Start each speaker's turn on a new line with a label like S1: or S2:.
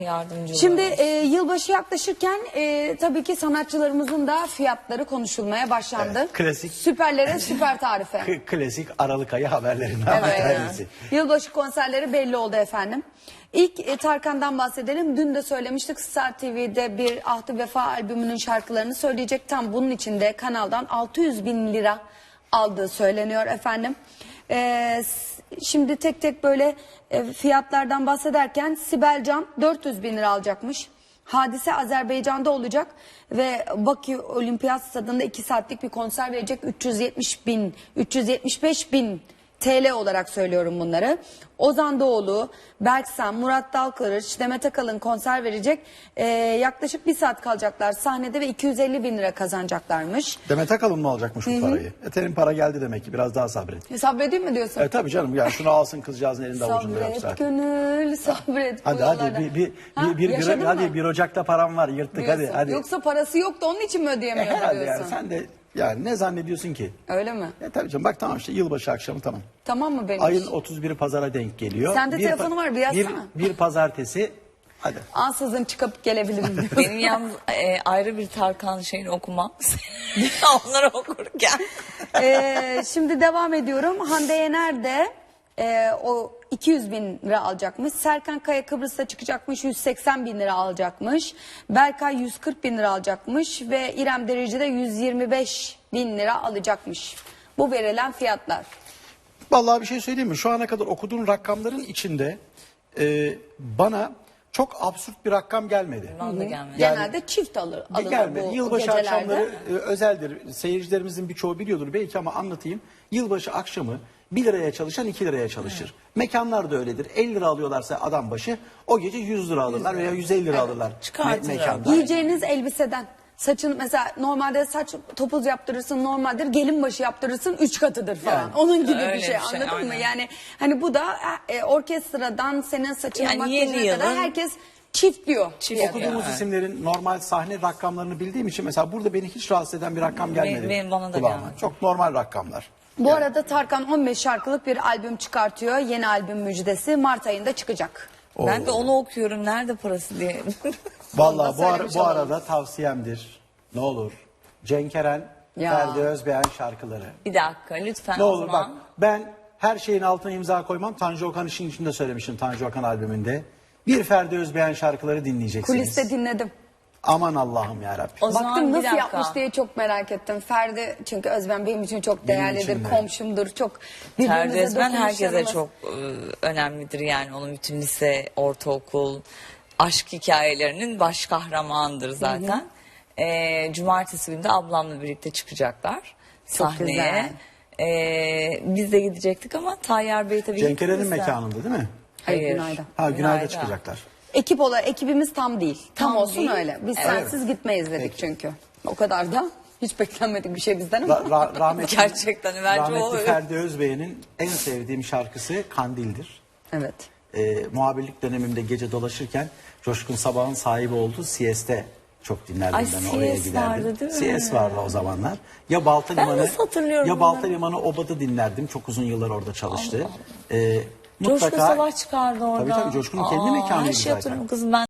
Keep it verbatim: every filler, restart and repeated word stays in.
S1: Yardımcı
S2: Şimdi
S1: oluruz.
S2: e, yılbaşı yaklaşırken e, tabii ki sanatçılarımızın da fiyatları konuşulmaya başlandı.
S3: Evet, klasik.
S2: Süperlere süper tarife.
S3: K- klasik Aralık ayı haberlerinden bir
S2: Evet.
S3: tanesi.
S2: Yılbaşı konserleri belli oldu efendim. İlk e, Tarkan'dan bahsedelim. Dün de söylemiştik, Star T V'de bir Ahdi Vefa albümünün şarkılarını söyleyecek. Tam bunun için de kanaldan altı yüz bin lira aldığı söyleniyor efendim. Ee, şimdi tek tek böyle e, fiyatlardan bahsederken Sibel Can dört yüz bin lira alacakmış. Hadise Azerbaycan'da olacak ve Bakü Olimpiyat Stadında iki saatlik bir konser verecek. üç yüz yetmiş bin, üç yüz yetmiş beş bin T L olarak söylüyorum bunları. Ozan Doğulu, Berksan, Murat Dalkılıç, Demet Akalın konser verecek. Ee, yaklaşık bir saat kalacaklar sahnede ve iki yüz elli bin lira kazanacaklarmış.
S3: Demet Akalın mı alacakmış bu parayı? Eterin para geldi demek ki, biraz daha sabret.
S2: E, sabredeyim mi diyorsun?
S3: E tabii canım, yani şunu alsın kızcağızın elinde avucunda yok
S2: Sabret
S3: zaten.
S2: gönül, sabret.
S3: Hadi
S2: bu
S3: hadi
S2: yollarda.
S3: bir, bir,
S2: Ha,
S3: bir, bir,
S2: yaşadın
S3: bir, hadi
S2: mı
S3: bir Ocak'ta param var, yırttık hadi
S2: diyorsun?
S3: hadi.
S2: Yoksa parası yoktu onun için mi ödeyemiyordu
S3: Herhalde
S2: diyorsun?
S3: yani, sen de yani ne zannediyorsun ki?
S2: Öyle mi?
S3: E tabii canım, bak tamam işte yılbaşı akşamı tamam.
S2: Tamam mı benim
S3: Ayın
S2: iş?
S3: otuz biri pazara denk geliyor.
S2: Sende
S3: Bir
S2: telefonu
S3: pa-
S2: var, bir yazsana.
S3: Bir, bir pazartesi hadi.
S2: Ansızın çıkıp gelebilirim diyor.
S1: Benim yalnız e, ayrı bir Tarkan şeyini okumam. Onları okurken.
S2: Ee, şimdi devam ediyorum. Hande Yener de e, o iki yüz bin lira alacakmış. Serkan Kaya Kıbrıs'ta çıkacakmış, yüz seksen bin lira alacakmış. Berkay yüz kırk bin lira alacakmış ve İrem Derici de yüz yirmi beş bin lira alacakmış. Bu verilen fiyatlar.
S3: Vallahi bir şey söyleyeyim mi? Şu ana kadar okuduğum rakamların içinde e, bana çok absürt bir rakam gelmedi.
S1: Bana da gelmedi.
S3: Yani-
S2: Genelde çift alır, alınır
S3: Gelmedi.
S2: bu
S3: Yılbaşı
S2: gecelerde.
S3: akşamları e, özeldir. Seyircilerimizin birçoğu biliyordur belki ama anlatayım. Yılbaşı akşamı bir liraya çalışan iki liraya çalışır. Mekanlar da öyledir. elli lira alıyorlarsa adam başı o gece yüz lira alırlar veya yüz elli lira alırlar.
S1: Çıkartırlar.
S3: mekanda.
S2: Giyeceğiniz elbiseden. Saçın mesela normalde saç topuz yaptırırsın normaldir, gelin başı yaptırırsın üç katıdır falan.
S3: Yani.
S2: Onun gibi
S1: Öyle
S2: bir şey,
S1: bir şey,
S2: anladın mı?
S1: aynen.
S2: Yani hani bu da e, orkestradan senin saçına
S1: Yani
S2: makyajına
S1: yeni
S2: kadar
S1: yılın-
S2: herkes çift diyor.
S1: Çift
S2: fiyatı.
S3: Okuduğumuz
S1: Evet.
S3: isimlerin normal sahne rakamlarını bildiğim için mesela burada beni hiç rahatsız eden bir rakam gelmedi.
S1: benim bana da
S3: kulağıma.
S1: gelmedi.
S3: Çok normal rakamlar.
S2: Bu arada Tarkan on beş şarkılık bir albüm çıkartıyor. Yeni albüm müjdesi Mart ayında çıkacak.
S1: Ben de onu okuyorum. Nerede parası diye.
S3: Vallahi bu, ara-
S2: söylemiş
S3: bu
S2: olalım.
S3: arada tavsiyemdir. Ne olur. Cenk Eren,
S2: Ya.
S3: Ferdi Özbeğen şarkıları.
S1: Bir dakika lütfen
S3: Ne
S1: o
S3: olur bak,
S1: zaman.
S3: ben her şeyin altına imza koymam. Tanju Okan işin içinde söylemişim, Tanju Okan albümünde. Bir Ferdi Özbeğen şarkıları dinleyeceksiniz.
S2: Kuliste dinledim.
S3: Aman Allah'ım yarabbim.
S1: O zaman
S2: Baktım
S1: bir
S2: nasıl
S1: dakika.
S2: yapmış diye çok merak ettim. Ferdi çünkü Özben benim için çok
S3: Benim
S2: değerlidir,
S3: için de.
S2: komşumdur. Çok
S1: Ferdi
S2: birbirimize
S1: Özben herkese
S2: dokunuşlarımız-
S1: çok e, önemlidir yani onun bütün lise, ortaokul, aşk hikayelerinin baş kahramanıdır zaten. E, cumartesi günü de ablamla birlikte çıkacaklar sahneye. E, biz de gidecektik ama Tayyar Bey tabii
S3: Cenk Eren'in
S1: gitmezse-
S3: mekanında değil mi?
S2: Hayır,
S1: Hayır.
S2: Günay'da.
S3: Ha Günay'da
S1: Günay'da.
S3: çıkacaklar.
S2: Ekip olarak ekibimiz tam değil. Tam,
S1: Tam
S2: olsun
S1: değil.
S2: öyle. Biz
S1: Evet.
S2: sensiz gitmeyiz dedik
S3: Peki.
S2: çünkü. O kadar da hiç beklenmedik bir şey bizden ama.
S3: Ra- ra- rahmetli,
S1: Gerçekten, bence
S3: rahmetli
S1: o-
S3: Ferdi Özbeğen'in en sevdiğim şarkısı Kandil'dir.
S2: Evet.
S3: Ee, muhabirlik dönemimde gece dolaşırken Coşkun Sabah'ın sahibi olduğu C S'te çok dinlerdim
S1: Ay,
S3: ben, oraya
S1: C S
S3: giderdim.
S1: vardı değil mi?
S3: C S vardı o zamanlar. Ya Balta
S1: Ben
S3: Limanı
S1: nasıl hatırlıyorum
S3: ya Balta
S1: bunları?
S3: Limanı Obad'ı dinlerdim. Çok uzun yıllar orada çalıştı. Ee,
S1: Coşkun
S3: mutlaka
S1: Savaş çıkardı orada.
S3: Tabii tabii, Coşkun'un kendi
S1: Aa,
S3: mekanıydı
S1: her şey
S3: zaten.
S1: hatırlıyorum kızım ben.